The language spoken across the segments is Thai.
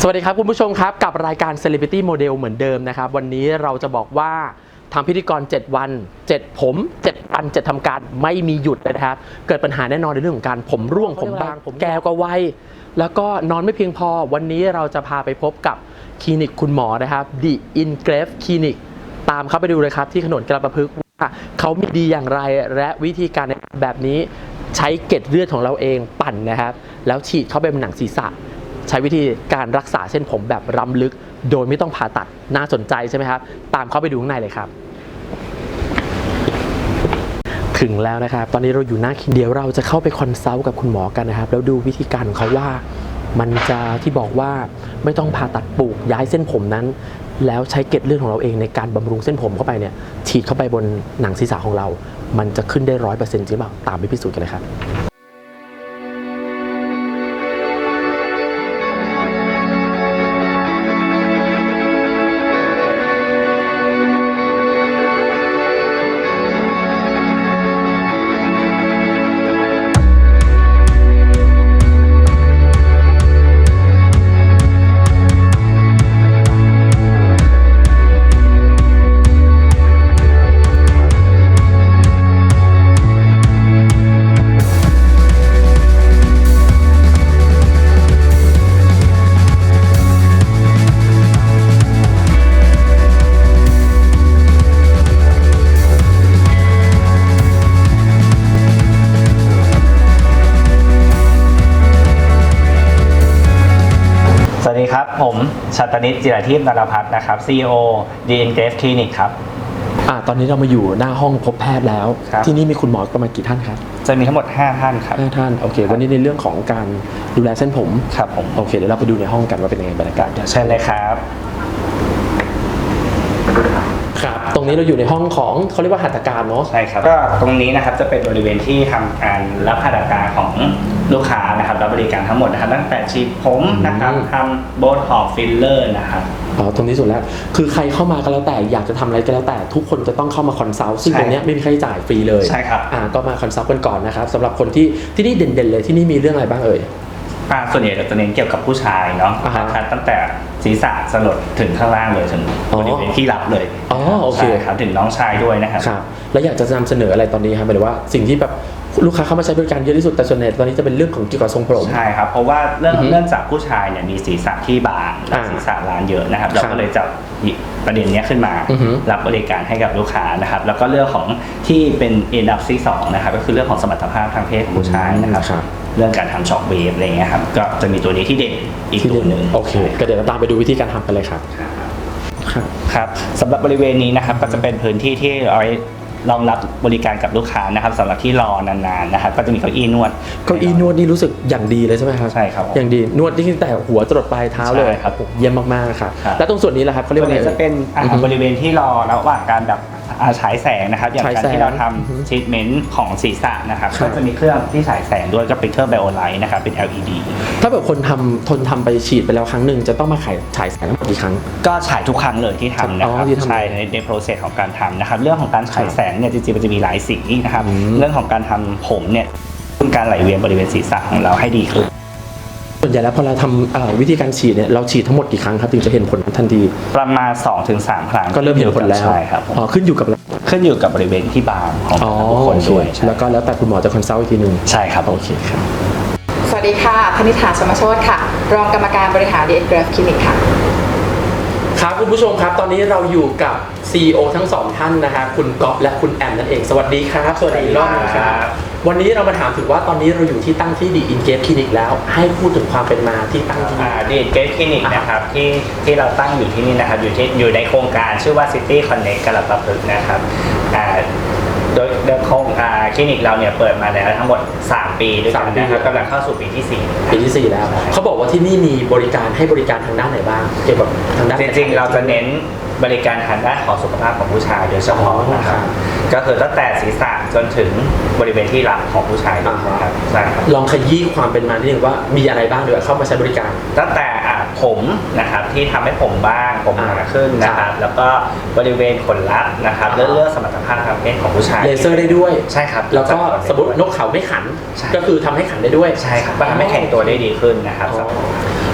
สวัสดีครับคุณผู้ชมครับกับรายการ Celebrity Model เหมือนเดิมนะครับวันนี้เราจะบอกว่าทำพิธีกร7วัน7ผม7วัน7ทำการไม่มีหยุดเลยนะครับเกิดปัญหาแน่นอนในเรื่องของการผมร่วงผมบางผมแก่กว่าวัยแล้วก็นอนไม่เพียงพอวันนี้เราจะพาไปพบกับคลินิกคุณหมอนะครับ The Ingrave Clinic ตามเข้าไปดูเลยครับที่ถนนกรประพฤกษ์ว่าเขามีดีอย่างไรและวิธีการแบบนี้ใช้เกล็ดเลือดของเราเองปั่นนะครับแล้วฉีดเข้าไปบนหนังศีรษะใช้วิธีการรักษาเส้นผมแบบล้ำลึกโดยไม่ต้องผ่าตัดน่าสนใจใช่ไหมครับตามเข้าไปดูข้างในเลยครับถึงแล้วนะครับตอนนี้เราอยู่หน้าคลินิกเดี๋ยวเราจะเข้าไปคอนซัลท์กับคุณหมอกันนะครับแล้วดูวิธีการของเขาว่ามันจะที่บอกว่าไม่ต้องผ่าตัดปลูกย้ายเส้นผมนั้นแล้วใช้เกล็ดเลือดของเราเองในการบำรุงเส้นผมเข้าไปเนี่ยฉีดเข้าไปบนหนังศีรษะของเรามันจะขึ้นได้100%จริงหรือเปล่าตามไปพิสูจน์กันเลยครับสวัสดีครับผมชัตนิต จิรทิพย์ นรพัฒน์นะครับ CEO The Ingrave Clinic ครับตอนนี้เรามาอยู่หน้าห้องพบแพทย์แล้วที่นี่มีคุณหมอประมาณกี่ท่านครับจะมีทั้งหมด5ท่านครับ 5ท่านโอเควันนี้ในเรื่องของการดูแลเส้นผมครับผมโอเคเดี๋ยวเราไปดูในห้องกันว่าเป็นยังไงบรรยากาศเชิญเลยครับครับตรงนี้เราอยู่ในห้องของเขาเรียกว่าหัตถการเนาะใช่ครับก็ตรงนี้นะครับจะเป็นบริเวณที่ทำการรับหัตถการของลูกค้านะครับรับบริการทั้งหมดนะครับตั้งแต่ฉีดผมนะครับทำโบท็อกซ์ฟิลเลอร์นะครับตรงนี้สุดแล้วคือใครเข้ามาก็แล้วแต่อยากจะทำอะไรก็แล้วแต่ทุกคนจะต้องเข้ามาคอนซัลท์ซึ่งตรงนี้ไม่มีค่าใช้จ่ายฟรีเลยใช่ครับก็มาคอนซัลท์กันก่อนนะครับสำหรับคนที่นี่เด่นๆเลยที่นี่มีเรื่องอะไรบ้างเอ่ยส่วนใหญ่จะเน้นเกี่ยวกับผู้ชายเนาะตั้งแต่ศีรษะสลดถึงข้างล่างเลยถึงบริเวณที่รับเลยโอเคครับถึงน้องชายด้วยนะครับแล้วอยากจะนำเสนออะไรตอนนี้ครับหมายถึงว่าสิ่งที่แบบลูกค้าเข้ามาใช้บริการเยอะที่สุดแต่ส่วนใหญ่ตอนนี้จะเป็นเรื่องของเกี่ยวกับทรงผมใช่ครับเพราะว่าเรื่องจากผู้ชายเนี่ยมีศีรษะที่บางศีรษะล้านเยอะนะครับเราก็เลยจับประเด็นนี้ขึ้นมารับบริการให้กับลูกค้านะครับแล้วก็เรื่องของที่เป็นอันดับที่2นะครับก็คือเรื่องของสมรรถภาพทางเพศของผู้ชายนะครับเรื่องการทำช็อคเวฟอะไรเงี้ยครับก็จะมีตัวนี้ที่เด่นอีกตัวหนึ่งโอเคก็เดี๋ยวเราตามไปดูวิธีการทำกันเลยครับครับสำหรับบริเวณนี้นะครับก็จะเป็นพื้นที่ที่เอาไว้รองรับบริการกับลูกค้านะครับสำหรับที่รอนานๆนะครับก็จะมีเก้าอี้นวดนี่รู้สึกอย่างดีเลยใช่ไหมครับใช่ครับอย่างดีนวดที่ตั้งแต่หัวจรดปลายเท้าเลยครับเยี่ยมมากๆครับแล้วตรงส่วนนี้แหละครับเขาเรียกว่าจะเป็นบริเวณที่รอระหว่างการแบบฉายแสงนะครับอย่างการที่เราทำทรีทเมนต์ของศีรษะนะครับก็จะมีเครื่องที่ฉายแสงด้วยก็เป็นเครื่องไบโอไลท์นะครับเป็น LED ถ้าแบบคนทนทำไปฉีดไปแล้วครั้งหนึ่งจะต้องมาฉายแสงทั้งหมดกี่ครั้งก็ฉายทุกครั้งเลยที่ทำนะครับใช่ในโปรเซสของการทำนะครับเรื่องของการฉายแสงเนี่ยจริงๆมันจะมีหลายสีนะครับเรื่องของการทำผมเนี่ยการไหลเวียนบริเวณศีรษะของเราให้ดีขึ้นส่วนใหญ่แล้วพอเราทำวิธีการฉีดเนี่ยเราฉีดทั้งหมดกี่ครั้งครับถึงจะเห็นผลทันทีประมาณ 2-3 ครั้งก็เริ่มเห็นผลแล้วใช่ครับขึ้นอยู่กับบริเวณที่บางของทุกคนด้วยแล้วแต่คุณหมอจะคอนซัลท์อีกทีนึงใช่ครับโอเคครับสวัสดีค่ะธนิษฐา ชมโชติค่ะรองกรรมการบริหาร The Ingrave Clinic ค่ะครับคุณผู้ชมครับตอนนี้เราอยู่กับ CEO ทั้ง2ท่านนะครับคุณก๊อฟและคุณแอมนั่นเองสวัสดีครับสวัสดีรอบครับวันนี้เรามาถามถึงว่าตอนนี้เราอยู่ที่ตั้งที่ The Ingrave Clinic แล้วให้พูดถึงความเป็นมาที่ตั้งที่ The Ingrave Clinic นะครับที่เราตั้งอยู่ที่นี่นะครับอยู่ในโครงการชื่อว่า City Connect กระประพฤกษ์นะครับโดยโครงคลินิกเราเนี่ยเปิดมาแล้วทั้งหมด3ปีด้วยกันนะครับกำลังเข้าสู่ปีที่ 4แล้วเขาบอกว่าที่นี่มีบริการให้บริการทางด้านไหนบ้างเกี่ยวกับทางด้านจริงๆเราจะเน้นบริการทางด้านของสุขภาพของผู้ชายโดยเฉพาะนะครับก็คือตั้งแต่ศีรษะจนถึงบริเวณที่หลังของผู้ชายนะครับใช่ครับลองขยี้ความเป็นมานิดนึงว่ามีอะไรบ้างเดี๋ยวเข้ามาใช้บริการตั้งแต่ผมนะครับที่ทำให้ผมบ้างผมหนาขึ้นนะครับแล้วก็บริเวณขนลับนะครับเรื่องสมรรถภาพทางเพศของผู้ชายเลเซอร์ได้ด้วยใช่ครับแล้วก็สมมตินกเขาไม่ขันก็คือทำให้ขันได้ด้วยใช่ครับทำให้แข็งตัวได้ดีขึ้นนะครับ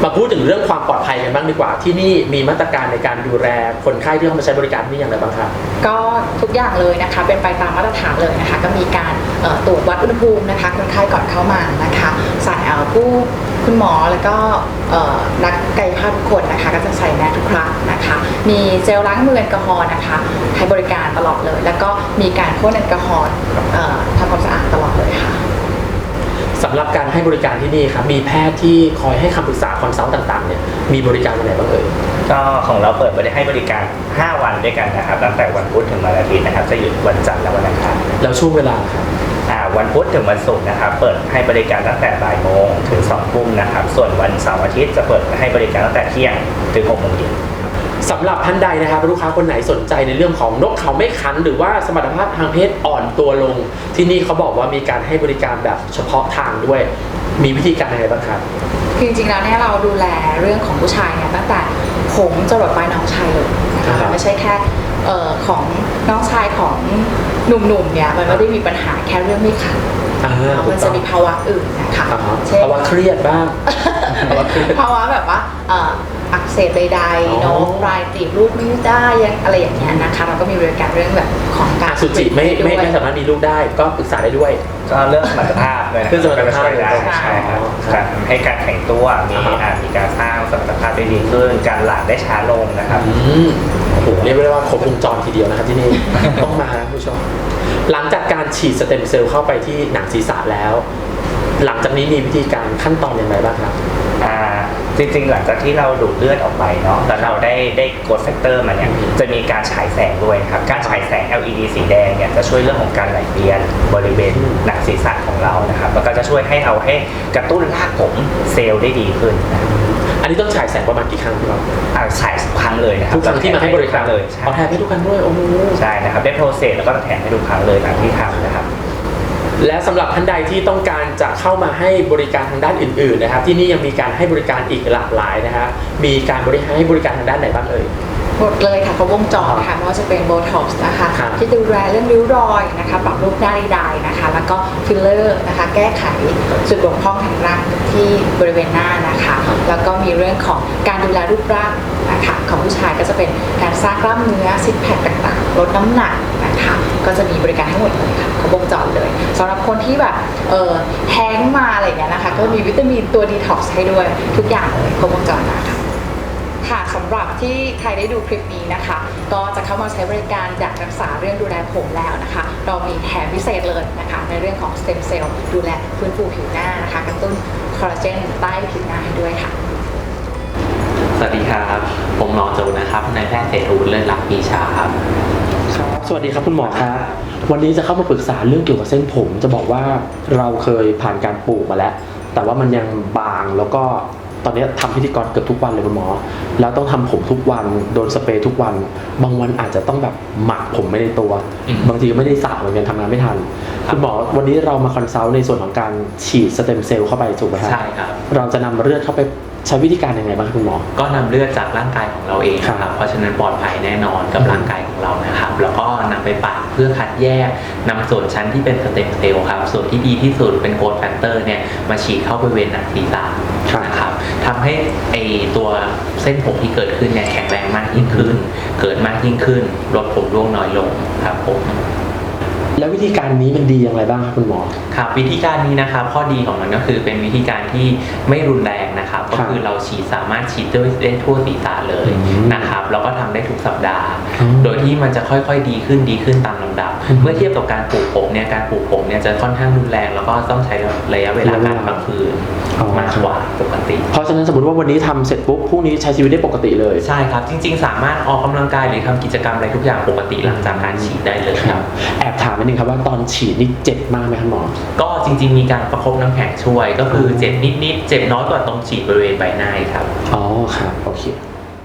มาพูดถึงเรื่องความปลอดภัยกันบ้างดีกว่าที่นี่มีมาตรการในการดูแลคนไข้ที่เข้ามาใช้บริการที่นี่อย่างไรบ้างครับก็ทุกอย่างเลยนะคะเป็นไปตามมาตรฐานเลยนะคะก็มีการตรวจวัดอุณหภูมินะคะคนไข้ก่อนเข้ามานะคะใส่คุณหมอแล้วก็นักกายภาพทุกคนนะคะก็จะใส่แมสทุกครั้งนะคะมีเจลล้างมือแอลกอฮอล์นะคะให้บริการตลอดเลยแล้วก็มีการพ่นแอลกอฮอล์ทำความสะอาดตลอดเลยค่ะสำหรับการให้บริการที่นี่ครับมีแพทย์ที่คอยให้คำปรึกษาคอนซัลท์ต่างๆเนี่ยมีบริการอะไรบ้างเอ่ยก็ของเราเปิดให้บริการ5 วันด้วยกันนะครับตั้งแต่วันพุธถึงวันอาทิตย์นะครับจะหยุดวันจันทร์และวันอังคารแล้วช่วงเวลาครับวันพุธถึงวันศุกร์นะครับเปิดให้บริการตั้งแต่บ่ายโมงถึง2 ทุ่มนะครับส่วนวันเสาร์อาทิตย์จะเปิดให้บริการตั้งแต่เที่ยงถึง6 โมงเย็นสำหรับท่านใดนะครับลูกค้าคนไหนสนใจในเรื่องของนกเขาไม่ขันหรือว่าสมรรถภาพทางเพศอ่อนตัวลงที่นี่เขาบอกว่ามีการให้บริการแบบเฉพาะทางด้วยมีวิธีการอะไรบ้างครับคือจริงๆแล้วเนี่ยเราดูแลเรื่องของผู้ชายเนี่ยตั้งแต่ผมจรดปลายน้องชายเลยนะคะไม่ใช่แค่ของน้องชายของหนุ่มๆเนี่ยมันไม่ได้มีปัญหาแค่เรื่องไม่ขันมันจะมีภาวะอื่นนะคะเช่นภาวะเครียดบ้างภาวะแบบว่าอักเสบใดๆเนาะปลายตีบรูดไม่ได้ยังอะไรอย่างเงี้ยนะคะเราก็มีบริการเรื่องแบบของการสุจิไม่สามารถมีลูกได้ก็ปรึกษาได้ด้วยก็เรื่องสมรรถภาพเลยนะเรื่องสมรรถภาพได้ใช่ครับให้การแข่งตัวมีการสร้างสมรรถภาพได้ดีขึ้นการหลั่งได้ช้าลงนะครับโอ้โหเรียกได้ว่าครบวงจรทีเดียวนะครับที่นี่ต้องมาผู้ชมหลังจากการฉีดสเต็มเซลล์เข้าไปที่หนังศีรษะแล้วหลังจากนี้มีวิธีการขั้นตอนอย่างไรบ้างครับจริงๆหลังจากที่เราดูดเลือดออกไปเนาะแล้วเราได้โกรทแฟกเตอร์มาเนี่ยจะมีการฉายแสงด้วยครับการฉายแสง LED สีแดงเนี่ยจะช่วยเรื่องของการไหลเวียนบริเวณหนังศีรษะของเรานะครับแล้วก็จะช่วยให้กระตุ้นรากผมเซลล์ได้ดีขึ้นอันนี้ต้องฉายแสงประมาณกี่ครั้งครับฉายทุกครั้งเลยนะครับทุกครั้งที่มาให้บริการเลยแถมให้ทุกครั้งด้วยโอ้โหใช่นะครับได้โปรเซสแล้วก็แถมให้ทุกครั้งเลยหลังที่ทำนะครับและสำหรับท่านใดที่ต้องการจะเข้ามาให้บริการทางด้านอื่นๆนะครับที่นี่ยังมีการให้บริการอีกหลากหลายนะครับมีการให้บริการทางด้านไหนบ้างเอ่ยหมดเลยค่ะครบวงจรค่ะไม่ว่าจะเป็นโบท็อกซ์นะคะที่ดูแลเรื่องริ้วรอยนะคะปรับรูปหน้าได้นะคะแล้วก็ฟิลเลอร์นะคะแก้ไขจุดบกพร่องทางร่างที่บริเวณหน้านะคะแล้วก็มีเรื่องของการดูแลรูปร่างนะคะของผู้ชายก็จะเป็นการสร้างกล้ามเนื้อซิกแพคต่างๆลดน้ำหนักนะคะก็จะมีบริการให้หมดเลยค่ะครบวงจรเลยสำหรับคนที่แบบแห้งมาอะไรอย่างเงี้ยนะคะก็มีวิตามินตัวดีท็อกซ์ให้ด้วยทุกอย่างเลยครบวงจรนะคะค่ะสำหรับที่ใครได้ดูคลิปนี้นะคะก็จะเข้ามาใช้บริการอยากรักษาเรื่องดูแลผมแล้วนะคะเรามีแถมพิเศษเลยนะคะในเรื่องของสเต็มเซลล์ดูแลฟื้นฟูผิวหน้านะคะกระตุ้นคอลลาเจนใต้ผิวหน้าให้ด้วยค่ะสวัสดีครับผมหมอจูนะครับนายแพทย์เศรษฐวุฒิเลิศลักษณ์ปีชาครับสวัสดีครับคุณหมอครับวันนี้จะเข้ามาปรึกษาเรื่องเกี่ยวกับเส้นผมจะบอกว่าเราเคยผ่านการปลูกมาแล้วแต่ว่ามันยังบางแล้วก็ตอนนี้ทำพิธีกรเกือบทุกวันเลยคุณหมอแล้วต้องทำผมทุกวันโดนสเปรย์ทุกวันบางวันอาจจะต้องแบบหมักผมไม่ในตัวบางทีก็ไม่ได้สระเหมือนกันทำงานไม่ทันคุณหมอวันนี้เรามาคอนซัลท์ในส่วนของการฉีดสเต็มเซลล์เข้าไปถูกไหมครับใช่ครับเราจะนำเลือดเข้าไปใช้วิธีการยังไงบ้างคุณหมอก็นำเลือดจากร่างกายของเราเองครับเพราะฉะนั้นปลอดภัยแน่นอนกับร่างกายของเรานะครับแล้วก็นำไปปั่นเพื่อคัดแยกนำส่วนชั้นที่เป็นสเต็มเซลล์ครับส่วนที่ดีที่สุดเป็นโกรทแฟกเตอร์เนี่ยมาฉีดเข้าบริเวณหนังศีรษะนะครับทำให้ตัวเส้นผมที่เกิดขึ้นเนี่ยแข็งแรงมากยิ่งขึ้นเกิดมากยิ่งขึ้นลดผมร่วงน้อยลงครับผมแล้ววิธีการนี้มันดีอย่างไรบ้างครับคุณหมอครับวิธีการนี้นะครับข้อดีของมันก็คือเป็นวิธีการที่ไม่รุนแรงนะครับก็คือเราฉีดสามารถฉีดได้ทั่วศีรษะเลยนะครับแล้วก็ทำได้ทุกสัปดาห์โดยที่มันจะค่อยๆดีขึ้นตามลำดับเมื่อเทียบกับการปลูกผมเนี่ยการปลูกผมเนี่ยจะค่อนข้างรุนแรงแล้วก็ต้องใช้ระยะเวลาการพักฟื้นมากกว่าปกติเพราะฉะนั้นสมมติว่าวันนี้ทำเสร็จปุ๊บพรุ่งนี้ใช้ชีวิตได้ปกติเลยใช่ครับจริงๆสามารถออกกำลังกายหรือทำกิจกรรมอะไรทุกอย่างปกติหลังจากการฉีดได้เลยครับแอบถามนิดนึงครับว่าตอนฉีดนี่เจ็บมากไหมครับหมอก็จริงๆมีการประคบน้ำแข็งช่วยก็คือเจ็บนิดๆเจ็บน้อยกว่าตรงฉีดบริเวณใบหน้าครับอ๋อครับโอเค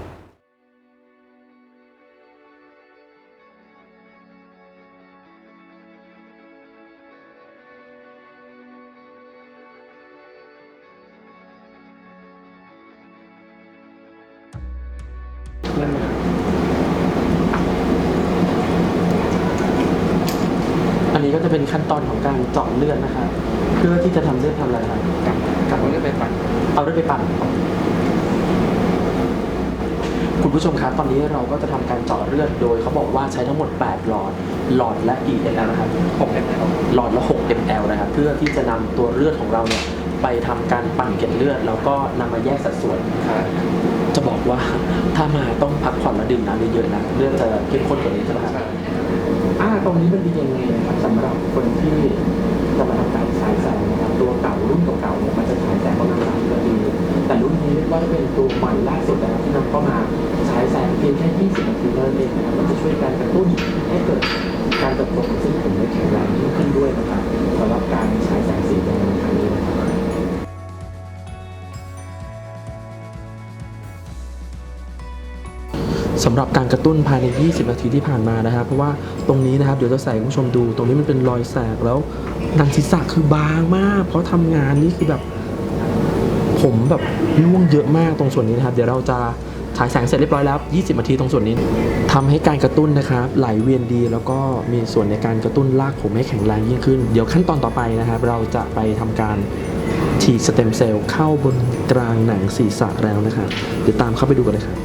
อันนี้ก็จะเป็นขั้นตอนของการเจาะเลือดนะครับเพื่อที่จะทำเลือดทำอะไรครับกับเลือดไปปั่นเอาเลือดไปปั่นผู้ชมครับตอนนี้เราก็จะทำการเจาะเลือดโดยเขาบอกว่าใช้ทั้งหมด8หลอดละกี่ ml นะครับ6 ml หลอดละ6 ml นะครับเพื่อที่จะนำตัวเลือดของเราเนี่ยไปทำการปั่นเกล็ดเลือดแล้วก็นำมาแยกสัดส่วนจะบอกว่าถ้ามาต้องพักผ่อนและดื่มน้ำเยอะๆนะเลือดจะเข้มข้นกว่านี้ใช่ไหมครับตรงนี้มันดียังไงนะครับสำหรับคนที่จะมาทำการฉายแสงนะครับตัวเก่ารุ่นเก่าๆเนี่ยมันจะฉายแสงประมาณ30 นาทีแต่รุ่นนี้เรียกว่าเป็นตัวใหม่ล่าสุดนะครับที่นำเข้ามาฉายแสงเพียงแค่20 นาทีเท่านั้นเองนะครับมันจะช่วยการกระตุ้นให้เกิดการเติบโตของเส้นผมได้แข็งแรงยิ่งขึ้นด้วยนะครับสำหรับการฉายแสงสีแดงในครั้งนี้นะครับสำหรับการกระตุ้นภายใน20 นาทีที่ผ่านมานะครับเพราะว่าตรงนี้นะครับเดี๋ยวจะใส่คุณผู้ชมดูตรงนี้มันเป็นรอยแสกแล้วหนังศีรษะคือบางมากเพราะทำงานนี่คือแบบผมแบบร่วงเยอะมากตรงส่วนนี้นะครับเดี๋ยวเราจะฉายแสงเสร็จเรียบร้อยแล้ว20 นาทีตรงส่วนนี้ทำให้การกระตุ้นนะครับไหลเวียนดีแล้วก็มีส่วนในการกระตุ้นรากผมให้แข็งแรงยิ่งขึ้นเดี๋ยวขั้นตอนต่อไปนะครับเราจะไปทำการฉีดสเต็มเซลล์เข้าบนกลางหนังศีรษะแล้วนะครับเดี๋ยวตามเข้าไปดูกันเลยครับ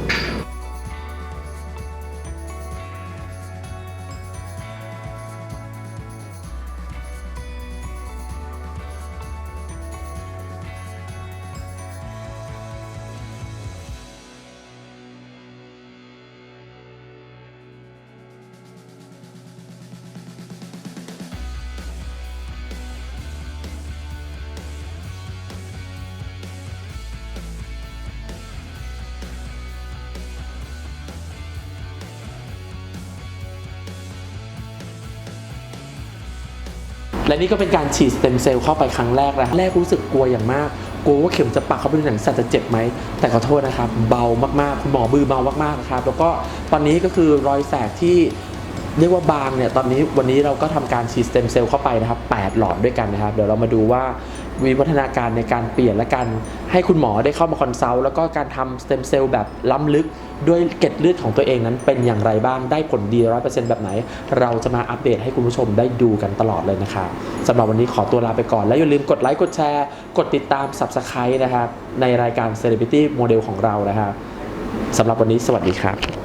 และนี่ก็เป็นการฉีดสเต็มเซลล์เข้าไปครั้งแรกนะแรกรู้สึกกลัวอย่างมากกลัวว่าเข็มจะปักเข้าไปในหนังศีรษะจะเจ็บไหมแต่ขอโทษนะครับเบามากๆคุณหมอมือเบามากๆนะครับแล้วก็ตอนนี้ก็คือรอยแสกที่เรียกว่าบางเนี่ยตอนนี้วันนี้เราก็ทำการฉีดสเต็มเซลล์เข้าไปนะครับ8หลอดด้วยกันนะครับเดี๋ยวเรามาดูว่าวิวัฒนาการในการเปลี่ยนและการให้คุณหมอได้เข้ามาคอนซัลท์แล้วก็การทำสเต็มเซลล์แบบล้ำลึกด้วยเกล็ดเลือดของตัวเองนั้นเป็นอย่างไรบ้างได้ผลดี 100% แบบไหนเราจะมาอัปเดตให้คุณผู้ชมได้ดูกันตลอดเลยนะครับสำหรับวันนี้ขอตัวลาไปก่อนและอย่าลืมกดไลค์กดแชร์กดติดตาม Subscribe นะครับในรายการ Celebrity Model ของเรานะครับสำหรับวันนี้สวัสดีครับ